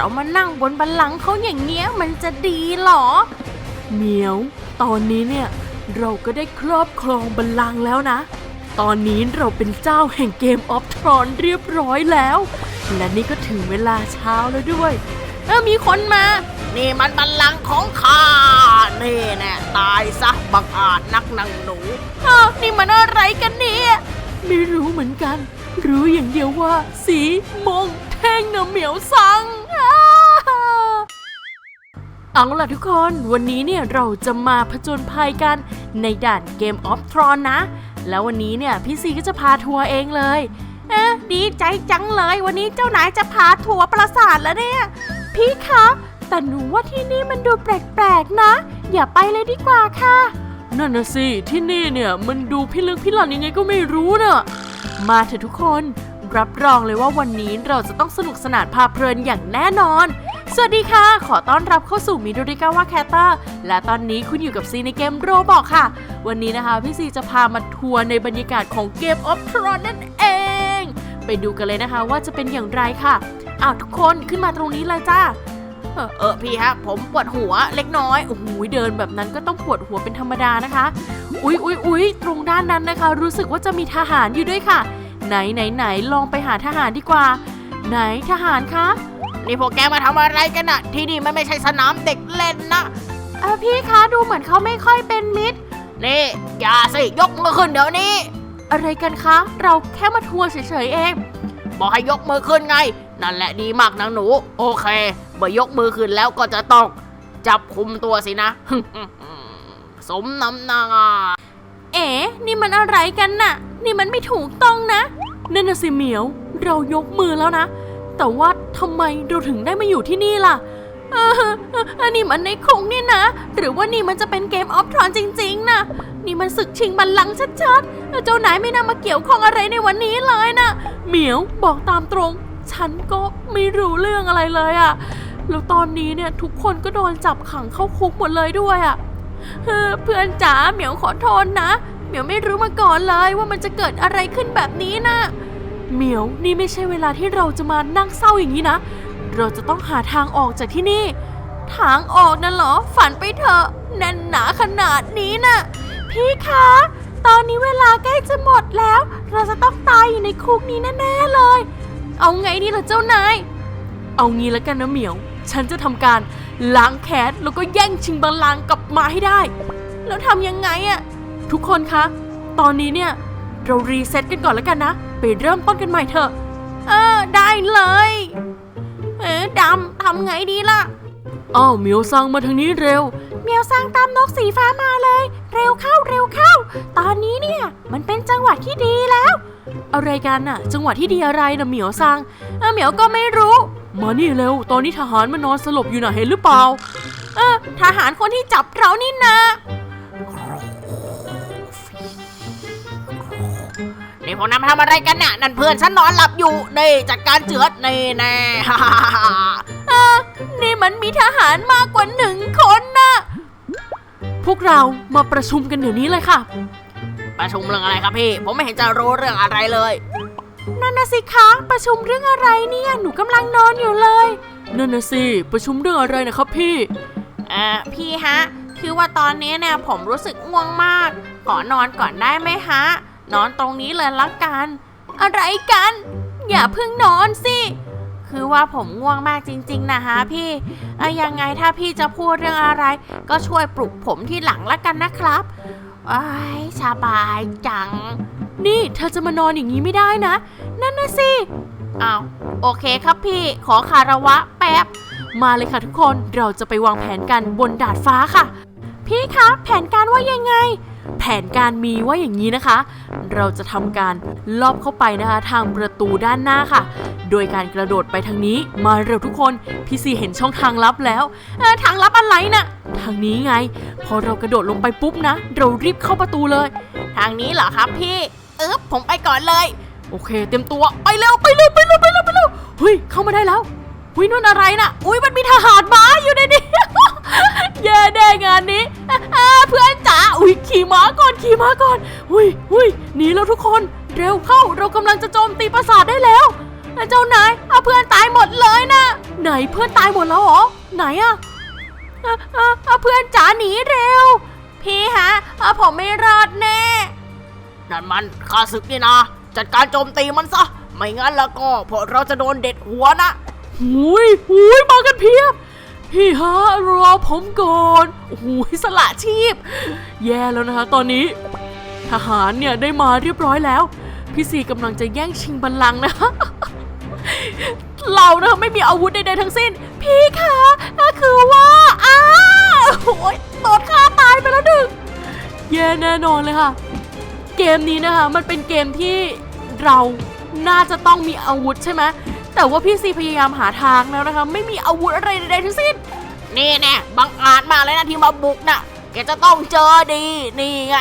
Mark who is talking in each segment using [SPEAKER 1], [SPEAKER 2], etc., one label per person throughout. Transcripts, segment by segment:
[SPEAKER 1] มานั่งบนบัลลังก์เขาอย่างเงี้ยมันจะดีหรอเหมียวตอนนี้เนี่ยเราก็ได้ครอบครองบัลลังก์แล้วนะตอนนี้เราเป็นเจ้าแห่งเกมออฟทรอนเรียบร้อยแล้วและนี่ก็ถึงเวลาเช้าแล้วด้วยมีคนมานี่มันบัลลังก์ของข้านี่แน่ตายซะบังอาจนักนางหนูนี่มันอะไรกันเนี่ยไม่รู้เหมือนกันรู้อย่างเดียวว่าสีมงแท่งนะเหมียวซังเอาล่ะทุกคนวันนี้เนี่ยเราจะมาผจญภัยกันในด่านเกมออฟทรอนนะแล้ววันนี้เนี่ยพี่ซีก็จะพาทัวร์เองเลยดีใจจังเลยวันนี้เจ้านายจะพาทัวร์ปราสาทแล้วเนี่ยพี่คะแต่หนูว่าที่นี่มันดูแปลกๆนะอย่าไปเลยดีกว่าค่ะนั่นนะสิที่นี่เนี่ยมันดูพิลึกพิลั่นยังไงก็ไม่รู้เนอะมาเถอะทุกคนรับรองเลยว่าวันนี้เราจะต้องสนุกสนานพาเพลินอย่างแน่นอนสวัสดีค่ะขอต้อนรับเข้าสู่มิโดริกาวะแคตเตอร์และตอนนี้คุณอยู่กับซีในเกมโรบอกค่ะวันนี้นะคะพี่ซีจะพามาทัวร์ในบรรยากาศของเกมออฟทรอนนั่นเองไปดูกันเลยนะคะว่าจะเป็นอย่างไรค่ะทุกคนขึ้นมาตรงนี้เลยจ้าพี่ฮะผมปวดหัวเล็กน้อยโอ้โหเดินแบบนั้นก็ต้องปวดหัวเป็นธรรมดานะคะอุ๊ยตรงด้านนั้นนะคะรู้สึกว่าจะมีทหารอยู่ด้วยค่ะไหนลองไปหาทหารดีกว่าไหนทหารคะนี่พวกแกมาทำอะไรกันอะที่นี่มันไม่ใช่สนามเด็กเล่นนะพี่คะดูเหมือนเขาไม่ค่อยเป็นมิตรนี่อย่าสิยกมือขึ้นเดี๋ยวนี้อะไรกันคะเราแค่มาทัวร์เฉยๆเองบอกให้ยกมือขึ้นไงนั่นแหละดีมากนางหนูโอเคเมื่อยกมือขึ้นแล้วก็จะต้องจับคุมตัวสินะ สมน้ำหน้านี่มันอะไรกันน่ะนี่มันไม่ถูกต้องนะนั่นน่ะสิเหมียวเรายกมือแล้วนะแต่ว่าทำไมเราถึงได้มาอยู่ที่นี่ล่ะอันนี้มันในคุกนี่นะหรือว่านี่มันจะเป็นเกมออฟทรอนจริงๆนะนี่มันศึกชิงบัลลังก์ชัดๆเจ้านายไม่นำมาเกี่ยวข้องอะไรในวันนี้เลยนะเหมียวบอกตามตรงฉันก็ไม่รู้เรื่องอะไรเลยอะแล้วตอนนี้เนี่ยทุกคนก็โดนจับขังเข้าคุกหมดเลยด้วยอะเพื่อนจ๋าเหมียวขอโทษนะเหมียวไม่รู้มาก่อนเลยว่ามันจะเกิดอะไรขึ้นแบบนี้นะเหมียวนี่ไม่ใช่เวลาที่เราจะมานั่งเศร้าอย่างนี้นะเราจะต้องหาทางออกจากที่นี่ทางออกนั่นเหรอฝันไปเถอะแน่นหนาขนาดนี้นะพี่คะตอนนี้เวลาใกล้จะหมดแล้วเราจะต้องตายอยู่ในคุกนี้แน่ๆเลยเอาไงดีล่ะเจ้านายเอางี้แล้วกันนะเหมียวฉันจะทำการล้างแค้นแล้วก็แย่งชิงบัลลังก์กลับมาให้ได้แล้วทำยังไงอะทุกคนคะตอนนี้เนี่ยเรารีเซ็ตกันก่อนแล้วกันนะไปเริ่มต้นกันใหม่เถอะได้เลยดำทำไงดีล่ะเหมียวซังมาทางนี้เร็วเหมียวซังตามนกสีฟ้ามาเลยเร็วเข้าตอนนี้เนี่ยมันเป็นจังหวะที่ดีแล้วอะไรกันน่ะจังหวะที่ดีอะไรนะเหมียวซังเหมียวก็ไม่รู้มานี่เร็วตอนนี้ทหารมันนอนสลบอยู่น่ะเห็นหรือเปล่าทหารคนที่จับเรานี่นะนี่พวกนั้นทำอะไรกันน่ะนั่นเพื่อนฉันนอนหลับอยู่นี่จัดการเจือดนี่แน่ นี่มันมีทหารมากกว่า1 คนนะพวกเรามาประชุมกันเดี๋ยวนี้เลยค่ะประชุมเรื่องอะไรครับพี่ผมไม่เห็นจะรู้เรื่องอะไรเลยนั่นน่ะสิคะประชุมเรื่องอะไรเนี่ยหนูกำลังนอนอยู่เลยนั่นน่ะสิประชุมเรื่องอะไรนะครับพี่พี่ฮะคือว่าตอนนี้เนี่ยผมรู้สึกง่วงมากขอนอนก่อนได้ไหมฮะนอนตรงนี้เลยละกันอะไรกันอย่าเพิ่งนอนสิคือว่าผมง่วงมากจริงๆนะฮะพี่ยังไงถ้าพี่จะพูดเรื่องอะไรก็ช่วยปลุกผมที่หลังละกันนะครับสบายจังนี่เธอจะมานอนอย่างนี้ไม่ได้นะนั่นน่ะสิโอเคครับพี่ขอคารวะแป๊บมาเลยค่ะทุกคนเราจะไปวางแผนกันบนดาดฟ้าค่ะพี่คะแผนการว่ายังไงแผนการมีว่าอย่างนี้นะคะเราจะทำการลอบเข้าไปนะคะทางประตูด้านหน้าค่ะโดยการกระโดดไปทางนี้มาเร็วทุกคนพี่ซีเห็นช่องทางลับแล้วทางลับอะไรนะทางนี้ไงพอเรากระโดดลงไปปุ๊บนะเรารีบเข้าประตูเลยทางนี้เหรอครับพี่ผมไปก่อนเลยโอเคเต็มตัวไปเร็วเฮ้ยเข้ามาได้แล้วนั่นอะไรน่ะมันมีทหารม้าอยู่ในนี้ แย่แน่งานนี้เพื่อนจ๋าขี่ม้าก่อนหนีแล้วทุกคนเร็วเข้าเรากำลังจะโจมตีปราสาทได้แล้วเจ้านายเพื่อนตายหมดเลยนะไหนเพื่อนตายหมดแล้วเหรอไหนอะเพื่อนจ๋าหนีเร็วพี่ฮะผมไม่รอดแน่นั่นมันข้าศึกนี่นะจัดการโจมตีมันซะไม่งั้นแล้วก็พวกเราจะโดนเด็ดหัวนะหุยมากันเพียบพี่ฮะรอผมก่อนหุยสละชีพแย่แล้วนะคะตอนนี้ทหารเนี่ยได้มาเรียบร้อยแล้วพี่ซีกำลังจะแย่งชิงบัลลังก์นะเรานะไม่มีอาวุธใดๆทั้งสิ้นพี่คะคือว่าโอ้ยโดนฆ่าตายไปแล้วหนึ่งแย่แน่นอนเลยค่ะเกมนี้นะคะมันเป็นเกมที่เราน่าจะต้องมีอาวุธใช่ไหมแต่ว่าพี่ซีพยายามหาทางแล้วนะคะไม่มีอาวุธอะไรใดๆทั้งสิ้นนี่แน่บังอาจมากเลยนะที่มาบุกน่ะแกจะต้องเจอดีนี่ไง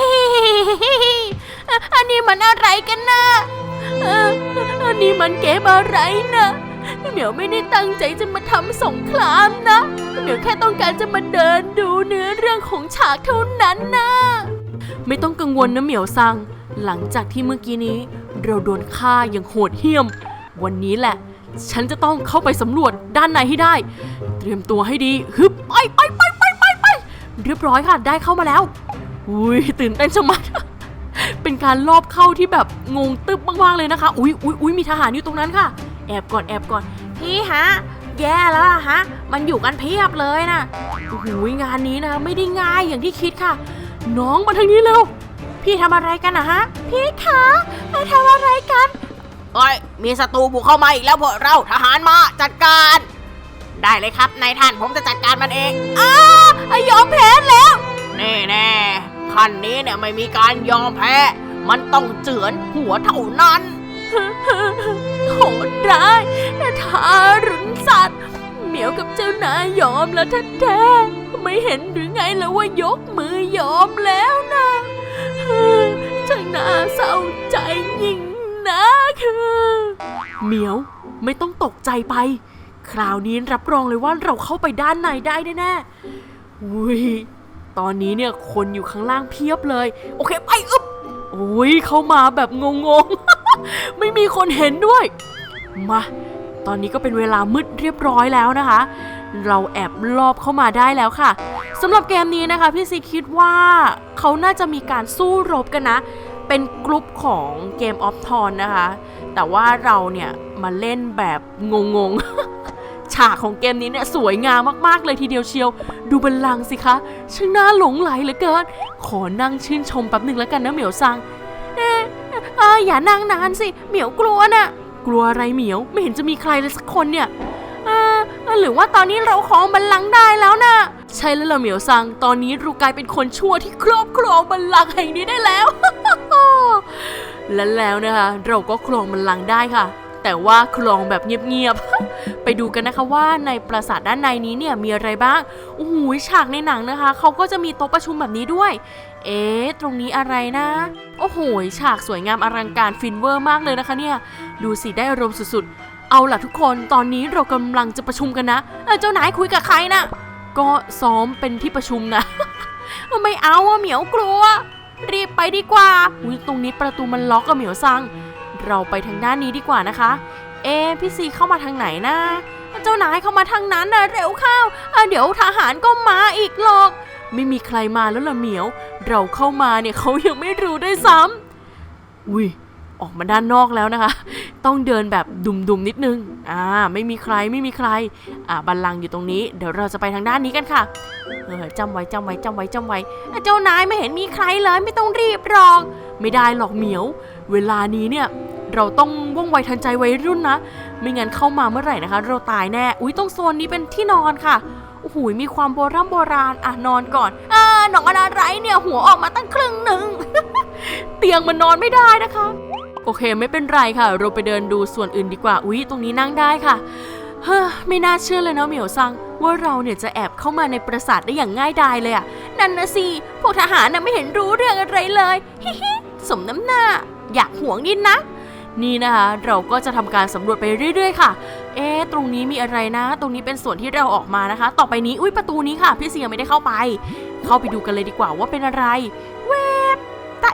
[SPEAKER 1] อันนี้มันอะไรกันนะอันนี้มันเกมอะไรนะเหมียวไม่ได้ตั้งใจจะมาทำสงครามนะเหมียวแค่ต้องการจะมาเดินดูเนื้อเรื่องของฉากเท่านั้นนะไม่ต้องกังวลนะเหมียวซังหลังจากที่เมื่อกี้นี้เราโดนฆ่าอย่างโหดเหี้ยมวันนี้แหละฉันจะต้องเข้าไปสำรวจด้านในให้ได้เตรียมตัวให้ดีฮึบไปเรียบร้อยค่ะได้เข้ามาแล้วอุ้ยตื่นเต้นชะมัด เป็นการลอบเข้าที่แบบงงตึ๊บมากๆเลยนะคะอุ้ยมีทหารอยู่ตรงนั้นค่ะแอบก่อนพี่ฮะแย่แล้วล่ะฮะมันอยู่กันเพียบเลยนะโอ้โหงานนี้นะไม่ได้ง่ายอย่างที่คิดค่ะน้องมาทางนี้เร็วพี่ทำอะไรกันนะฮะพี่คะทำอะไรกันมีศัตรูบุกเข้ามาอีกแล้วพวกเราทหารมาจัดการได้เลยครับนายท่านผมจะจัดการมันเองยอมแพ้แล้วแน่ขั้นนี้เนี่ยไม่มีการยอมแพ้มันต้องเจือนหัวเท่านั้นโหดร้ายทารุณสัตว์เหมียวกับเจ้านายยอมแล้วแท้ๆไม่เห็นหรือไงแล้วว่ายกมือยอมแล้วนะช่างน่าเศร้าใจยิ่งนะคือเหมียวไม่ต้องตกใจไปคราวนี้รับรองเลยว่าเราเข้าไปด้านในได้แน่ๆอุ้ยตอนนี้เนี่ยคนอยู่ข้างล่างเพียบเลยโอเคไปโอ้ยเข้ามาแบบงงๆ ไม่มีคนเห็นด้วยมาตอนนี้ก็เป็นเวลามืดเรียบร้อยแล้วนะคะเราแอบลอบเข้ามาได้แล้วค่ะสำหรับเกมนี้นะคะพี่ซีคิดว่าเขาน่าจะมีการสู้รบกันนะเป็นกลุ่มของเกมออฟทอนนะคะแต่ว่าเราเนี่ยมาเล่นแบบงงๆ ฉากของเกมนี้เนี่ยสวยงามมากๆเลยทีเดียวเชียวดูบัลลังก์สิคะช่างน่าหลงไหลเหลือเกินขอนั่งชื่นชมแป๊บหนึ่งแล้วกันนะเหมียวซังอย่านั่งนานสิเหมียวกลัวน่ะกลัวอะไรเหมียวไม่เห็นจะมีใครเลยสักคนเนี่ยหรือว่าตอนนี้เราครองบัลลังก์ได้แล้วนะใช่แล้วล่ะเหมียวซังตอนนี้เรากลายเป็นคนชั่วที่ครอบครองบัลลังก์แห่งนี้ได้แล้ว และแล้วนะคะเราก็ครองบัลลังก์ได้ค่ะแต่ว่าครองแบบเงียบๆ ไปดูกันนะคะว่าในปราสาทด้านในนี้เนี่ยมีอะไรบ้างโอ้โหฉากในหนังนะคะเขาก็จะมีโต๊ะประชุมแบบนี้ด้วยตรงนี้อะไรนะโอ้โหฉากสวยงามอลังการฟินเวอร์มากเลยนะคะเนี่ยดูสิได้อารมณ์สุดๆเอาล่ะทุกคนตอนนี้เรากำลังจะประชุมกันนะเจ้านายคุยกับใครนะก็ซ้อมเป็นที่ประชุมนะ ไม่เอาเหมียวกลัวรีบไปดีกว่าตรงนี้ประตูมันล็อกเหมียวซังเราไปทางด้านนี้ดีกว่านะคะพี่ซีเข้ามาทางไหนนะเจ้านายเข้ามาทางนั้นนะเร็วเข้าเดี๋ยวทหารก็มาอีกหรอกไม่มีใครมาแล้วล่ะเหมียวเราเข้ามาเนี่ยเขายังไม่รู้ด้วยซ้ำออกมาด้านนอกแล้วนะคะต้องเดินแบบดุ่มๆนิดนึงไม่มีใครบัลลังก์อยู่ตรงนี้เดี๋ยวเราจะไปทางด้านนี้กันค่ะจำไว้เจ้านายไม่เห็นมีใครเลยไม่ต้องรีบหรอกไม่ได้หรอกเหมียวเวลานี้เนี่ยเราต้องว่องไวทันใจวัยรุ่นนะไม่งั้นเข้ามาเมื่อไหร่นะคะเราตายแน่ตรงโซนนี้เป็นที่นอนค่ะโอ้โหมีความโบราณนอนก่อนนอนอะไรเนี่ยหัวออกมาตั้งครึ่งหนึ่ง เตียงมันนอนไม่ได้นะคะโอเคไม่เป็นไรค่ะเราไปเดินดูส่วนอื่นดีกว่าตรงนี้นั่งได้ค่ะไม่น่าเชื่อเลยนะเหมียวซังว่าเราเนี่ยจะแอบเข้ามาในปราสาทได้อย่างง่ายดายเลยนั่นนะสิพวกทหารน่ะไม่เห็นรู้เรื่องอะไรเลยฮิสมน้ำหน้าอยากห่วงนิดนะนี่นะคะเราก็จะทำการสำรวจไปเรื่อยๆค่ะตรงนี้มีอะไรนะตรงนี้เป็นส่วนที่เราออกมานะคะต่อไปนี้ประตูนี้ค่ะพี่เสียไม่ได้เข้าไปดูกันเลยดีกว่าว่าเป็นอะไรเว็บตา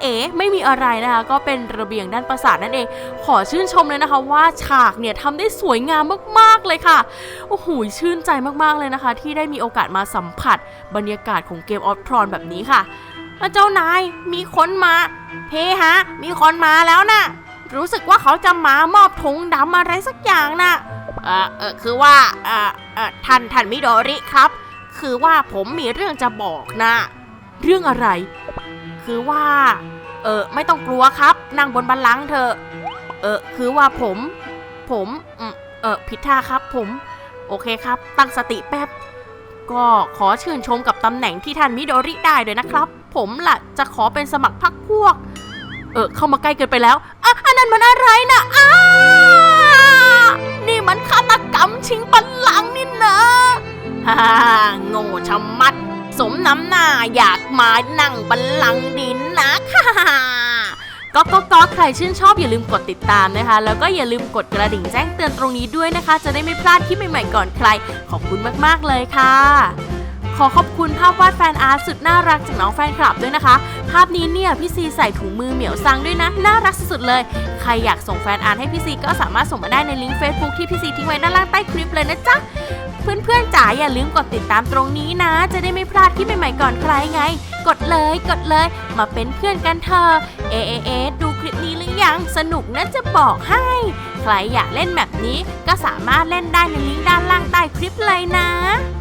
[SPEAKER 1] เอ๋ไม่มีอะไรนะคะก็เป็นระเบียงด้านปราสาทนั่นเองขอชื่นชมเลยนะคะว่าฉากเนี่ยทำได้สวยงามมากๆเลยค่ะโอ้โหชื่นใจมากๆเลยนะคะที่ได้มีโอกาสมาสัมผัสบรรยากาศของเกมออฟทรอนแบบนี้ค่ะเจ้านายมีคนมาเฮ้ฮะมีคนมาแล้วนะรู้สึกว่าเขาจะมามอบถุงดำอะไรสักอย่างนะคือว่าท่านมิโดริครับคือว่าผมมีเรื่องจะบอกนะเรื่องอะไรคือว่าไม่ต้องกลัวครับนั่งบนบัลลังก์เถอะคือว่าผมผิดท่าครับผมโอเคครับตั้งสติแป๊บก็ขอชื่นชมกับตำแหน่งที่ท่านมิโดริได้ด้วยนะครับผมล่ะจะขอเป็นสมัครพรรคพวกเข้ามาใกล้เกินไปแล้วอันนั้นมันอะไรนะนี่มันฆาตกรรมชิงบัลลังก์นี่นะฮ่าโง่ชะมัดสมน้ำหน้าอยากมานั่งบัลลังก์ดินนะค่ะก็ใครชื่นชอบอย่าลืมกดติดตามนะคะแล้วก็อย่าลืมกดกระดิ่งแจ้งเตือนตรงนี้ด้วยนะคะจะได้ไม่พลาดคลิปใหม่ๆก่อนใครขอบคุณมากๆเลยค่ะขอขอบคุณภาพวาดแฟนอาร์ตสุดน่ารักจากน้องแฟนคลับด้วยนะคะภาพนี้เนี่ยพี่ซีใส่ถุงมือเหมียวซังด้วยนะน่ารักสุดๆเลยใครอยากส่งแฟนอาร์ตให้พี่ซีก็สามารถส่งมาได้ในลิงก์ Facebook ที่พี่ซีทิ้งไว้ด้านล่างใต้คลิปเลยนะจ๊ะเพื่อนๆจ๋าอย่าลืมกดติดตามตรงนี้นะจะได้ไม่พลาดคลิปใหม่ๆก่อนใครไงกดเลยมาเป็นเพื่อนกันเถอะดูคลิปนี้หรือยังสนุกนะจะบอกให้ใครอยากเล่นแบบนี้ก็สามารถเล่นได้ในลิงก์ด้านล่างใต้คลิปเลยนะ